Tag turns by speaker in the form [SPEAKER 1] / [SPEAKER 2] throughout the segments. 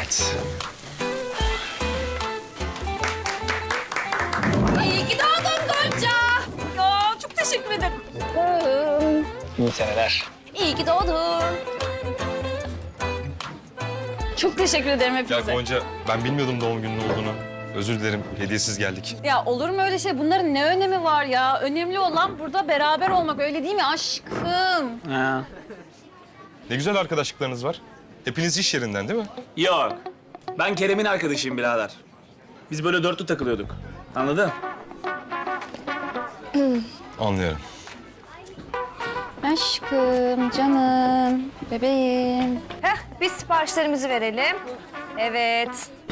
[SPEAKER 1] Evet.
[SPEAKER 2] İyi ki doğdun Gonca. Ya çok teşekkür ederim.
[SPEAKER 1] İyi seneler.
[SPEAKER 2] İyi ki doğdun. Çok teşekkür ederim
[SPEAKER 3] Ya
[SPEAKER 2] hepinize.
[SPEAKER 3] Gonca, ben bilmiyordum doğum günün olduğunu. Özür dilerim, hediyesiz geldik.
[SPEAKER 2] Ya olur mu öyle şey? Bunların ne önemi var ya? Önemli olan burada beraber olmak, öyle değil mi aşkım?
[SPEAKER 1] Ha.
[SPEAKER 3] Ne güzel arkadaşlıklarınız var. Hepiniz iş yerinden değil mi?
[SPEAKER 1] Yok. Ben Kerem'in arkadaşıyım birader. Biz böyle dörtlü takılıyorduk. Anladın?
[SPEAKER 3] Anlıyorum.
[SPEAKER 2] Aşkım, canım, bebeğim.
[SPEAKER 4] Heh, biz siparişlerimizi verelim. Evet.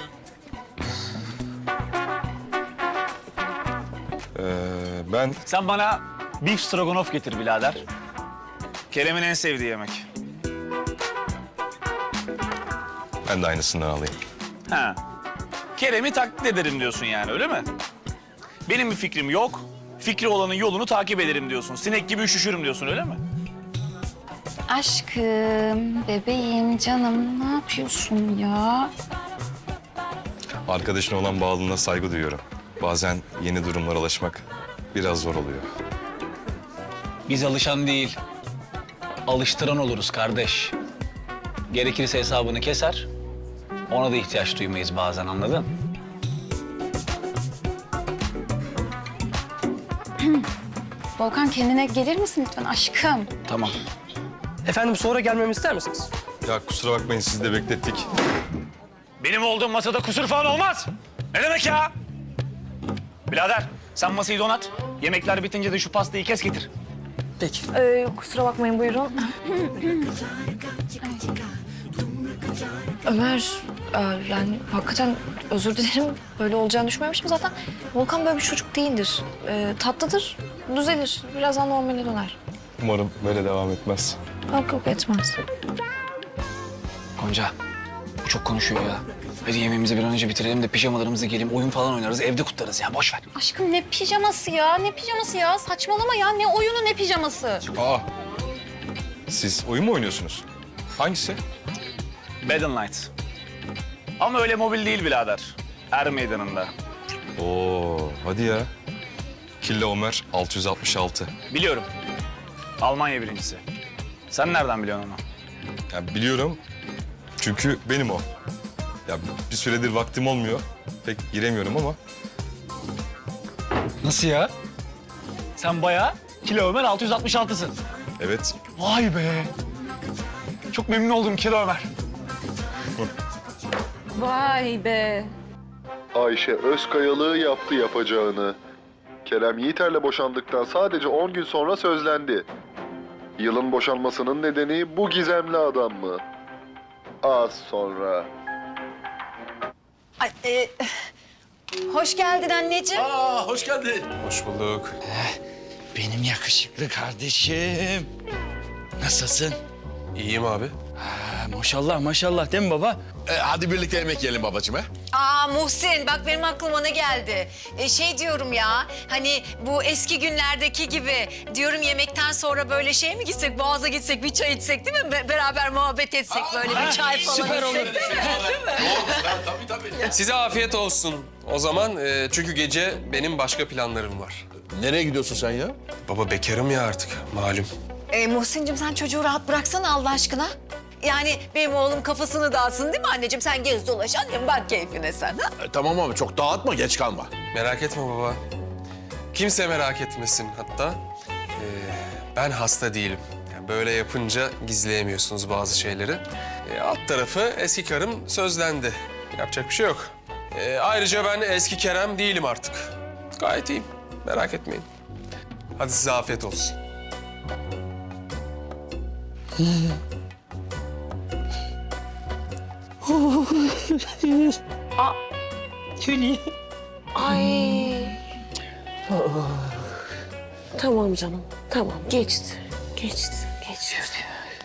[SPEAKER 3] Ben
[SPEAKER 1] Sen bana beef stroganoff getir birader. Kerem'in en sevdiği yemek.
[SPEAKER 3] de aynısından alayım.
[SPEAKER 1] Ha. Kerem'i taklit ederim diyorsun yani, öyle mi? Benim bir fikrim yok. Fikri olanın yolunu takip ederim diyorsun. Sinek gibi üşüşürüm diyorsun, öyle mi?
[SPEAKER 2] Aşkım, bebeğim, canım ne yapıyorsun ya?
[SPEAKER 3] Arkadaşına olan bağlılığına saygı duyuyorum. Bazen yeni durumlara alışmak biraz zor oluyor.
[SPEAKER 5] Biz alışan değil, alıştıran oluruz kardeş. Gerekirse hesabını keser, ona da ihtiyaç duymayız bazen, anladın?
[SPEAKER 2] Volkan kendine gelir misin lütfen aşkım?
[SPEAKER 5] Tamam.
[SPEAKER 6] Efendim sonra gelmemi ister misiniz?
[SPEAKER 3] Ya kusura bakmayın, sizi de beklettik.
[SPEAKER 1] Benim olduğum masada kusur falan olmaz. Ne demek ya? Birader, sen masayı donat. Yemekler bitince de şu pastayı kes getir.
[SPEAKER 6] Peki.
[SPEAKER 4] Kusura bakmayın buyurun. Ömer, yani hakikaten özür dilerim. Böyle olacağını düşünmemiştim zaten. Volkan böyle bir çocuk değildir. Tatlıdır, düzelir. Birazdan normale döner.
[SPEAKER 3] Umarım böyle devam etmez.
[SPEAKER 4] Yok yok etmez.
[SPEAKER 5] Gonca, bu çok konuşuyor ya. Hadi yemeğimizi bir an önce bitirelim de pijamalarımızı giyelim, oyun falan oynarız, evde kutlarız ya, boş ver.
[SPEAKER 2] Aşkım ne pijaması ya? Ne pijaması ya? Saçmalama ya. Ne oyunu ne pijaması?
[SPEAKER 3] Aa, siz oyun mu oynuyorsunuz? Hangisi?
[SPEAKER 1] Bed and Light. Ama öyle mobil değil birader. Er meydanında.
[SPEAKER 3] Oo, hadi ya. Killa Ömer 666.
[SPEAKER 1] Biliyorum. Almanya birincisi. Sen nereden biliyorsun onu?
[SPEAKER 3] Ya biliyorum. Çünkü benim o. Ya bir süredir vaktim olmuyor. Pek giremiyorum ama.
[SPEAKER 5] Nasıl ya? Sen bayağı kilo Ömer 666'sın.
[SPEAKER 3] Evet.
[SPEAKER 5] Vay be. Çok memnun oldum kilo Ömer.
[SPEAKER 2] Vay be.
[SPEAKER 7] Ayşe Özkayalığı yaptı yapacağını. Kerem Yiğiter'le boşandıktan sadece 10 gün sonra sözlendi. Yılın boşanmasının nedeni bu gizemli adam mı? Az sonra.
[SPEAKER 4] Hoş geldin anneciğim.
[SPEAKER 8] Aa, hoş geldin.
[SPEAKER 3] Hoş bulduk.
[SPEAKER 8] Benim yakışıklı kardeşim. Nasılsın?
[SPEAKER 3] İyiyim abi.
[SPEAKER 8] Maşallah maşallah değil mi baba? Hadi birlikte yemek yiyelim babacığım he.
[SPEAKER 9] Aa Muhsin bak benim aklıma ne geldi? Şey diyorum ya hani bu eski günlerdeki gibi diyorum yemekten sonra böyle şey mi gitsek Boğaz'a gitsek bir çay içsek değil mi? Beraber muhabbet etsek böyle bir çay falan
[SPEAKER 8] Süper olur.
[SPEAKER 9] içsek değil mi?
[SPEAKER 8] Tabii.
[SPEAKER 10] Size afiyet olsun o zaman. Çünkü gece benim başka planlarım var.
[SPEAKER 8] Nereye gidiyorsun sen ya?
[SPEAKER 10] Baba bekarım ya artık malum.
[SPEAKER 9] Muhsin'cim sen çocuğu rahat bıraksana Allah aşkına. Yani benim oğlum kafasını dağıtsın değil mi anneciğim? Sen gez dolaş annem bak keyfine sen ha?
[SPEAKER 8] Tamam abi çok dağıtma geç kalma.
[SPEAKER 10] Merak etme baba. Kimse merak etmesin hatta. Ben hasta değilim. Yani böyle yapınca gizleyemiyorsunuz bazı şeyleri. Alt tarafı eski karım sözlendi. Yapacak bir şey yok. Ayrıca ben eski Kerem değilim artık. Gayet iyiyim. Merak etmeyin. Hadi size afiyet olsun.
[SPEAKER 4] Ay. Tamam canım. Tamam geçti. Geçti. Geçti.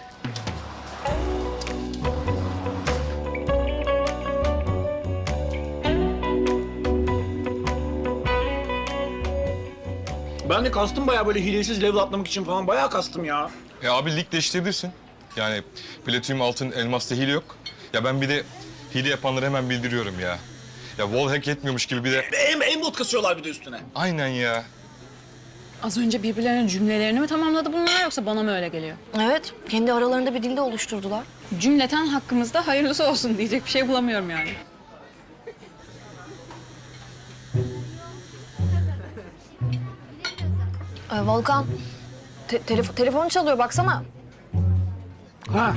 [SPEAKER 1] Ben de kastım bayağı böyle hilesiz level atlamak için falan bayağı kastım ya.
[SPEAKER 3] Abi lig değiştirebilirsin. Yani platinyum, altın, elmasta hile yok. Ya ben bir de hile yapanları hemen bildiriyorum ya. Ya wallhack yetmiyormuş gibi bir de...
[SPEAKER 1] Aimbot kasıyorlar bir de üstüne.
[SPEAKER 3] Aynen ya.
[SPEAKER 2] Az önce birbirlerinin cümlelerini mi tamamladı bunlar yoksa bana mı öyle geliyor?
[SPEAKER 4] Evet, kendi aralarında bir dilde oluşturdular.
[SPEAKER 2] Cümleten hakkımızda hayırlısı olsun diyecek bir şey bulamıyorum yani.
[SPEAKER 4] Volkan, telefon çalıyor baksana.
[SPEAKER 1] Ha.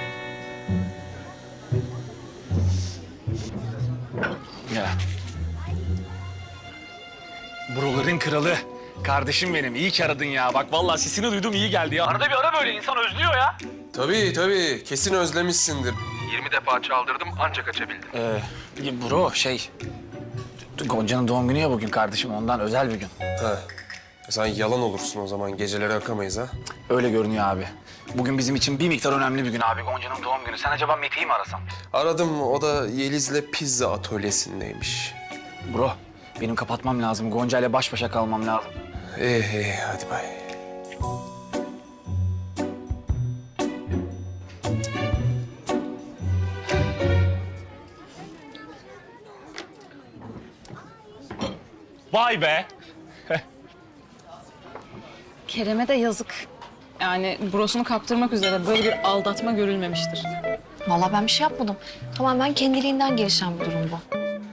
[SPEAKER 1] Ya. Buraların kralı. Kardeşim benim, iyi ki aradın ya. Bak vallahi sesini duydum, iyi geldi ya. Arada bir ara böyle, insan özlüyor ya.
[SPEAKER 10] Tabii. Kesin özlemişsindir. 20 defa çaldırdım ancak açabildim.
[SPEAKER 1] Bro, Gonca'nın doğum günü ya bugün kardeşim, ondan özel bir gün.
[SPEAKER 10] Ha. Sen yalan olursun o zaman. Geceleri akamayız ha.
[SPEAKER 1] Öyle görünüyor abi. Bugün bizim için bir miktar önemli bir gün abi, Gonca'nın doğum günü. Sen acaba Mete'yi mi arasan?
[SPEAKER 10] Aradım. O da Yeliz'le pizza atölyesindeymiş.
[SPEAKER 1] Bro, benim kapatmam lazım. Gonca ile baş başa kalmam lazım.
[SPEAKER 10] İyi. Hadi bay.
[SPEAKER 1] Vay be!
[SPEAKER 2] Kerem'e de yazık. Yani brosunu kaptırmak üzere böyle bir aldatma görülmemiştir.
[SPEAKER 4] Vallahi ben bir şey yapmadım. Tamamen kendiliğinden gelişen bir durum bu.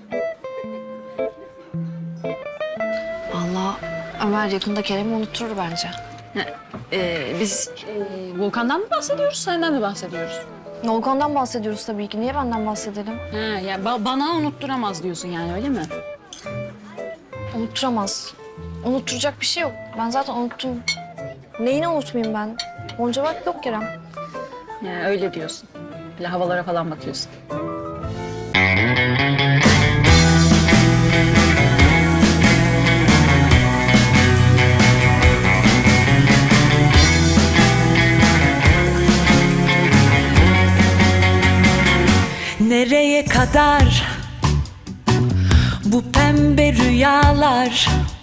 [SPEAKER 4] Vallahi Ömer yakında Kerem'i unutturur bence.
[SPEAKER 2] Biz Volkan'dan mı bahsediyoruz, senden mi bahsediyoruz?
[SPEAKER 4] Volkan'dan bahsediyoruz tabii ki. Niye benden bahsedelim?
[SPEAKER 2] Ha, yani bana unutturamaz diyorsun yani, öyle mi?
[SPEAKER 4] Unutturamaz. Unutturacak bir şey yok. Ben zaten unuttum. Neyini unutmayayım ben? Onca vakit yok Kerem.
[SPEAKER 2] Yani öyle diyorsun. Böyle havalara falan bakıyorsun.
[SPEAKER 11] Nereye kadar bu pembe rüyalar?